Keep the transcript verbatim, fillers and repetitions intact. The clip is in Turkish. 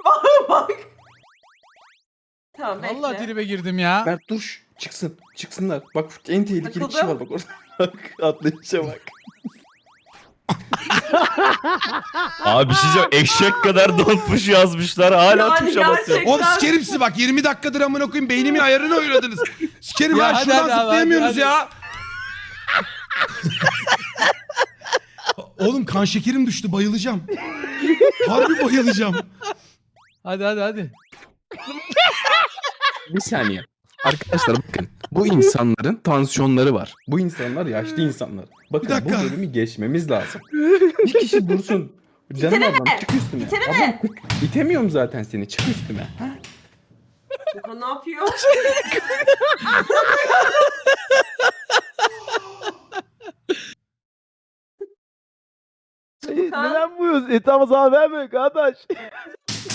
Bak. Tamam bekle. Vallahi tribe girdim ya. Mert dur çıksın. Çıksınlar. Bak en tehlikeli Takıldım. kişi var bak orada. Bak atlayışa bak. Abi bir şey diyeceğim. Eşek kadar donmuş yazmışlar. Hala Yani tuşa basıyor. gerçekten. Oğlum sikerim sizi bak yirmi dakikadır amına koyayım beynimin ayarını oyladınız. Sikerim ya, Ya hadi, şuradan hadi abi, zıplayamıyorsunuz hadi, ya. Oğlum kan şekerim düştü bayılacağım. Harbi bayılacağım. Hadi hadi hadi. Bir saniye. Arkadaşlar bakın. Bu insanların tansiyonları var. Bu insanlar yaşlı insanlar. Bakın Bir bu dakika. bölümü geçmemiz lazım. Bir kişi dursun. Canım ablam çık üstüme. İteleme. Ablam itemiyorum zaten seni. Çık üstüme. Ha? Ya ne yapıyor? Neden buyuz? Etamız haber vermiyor kardeş.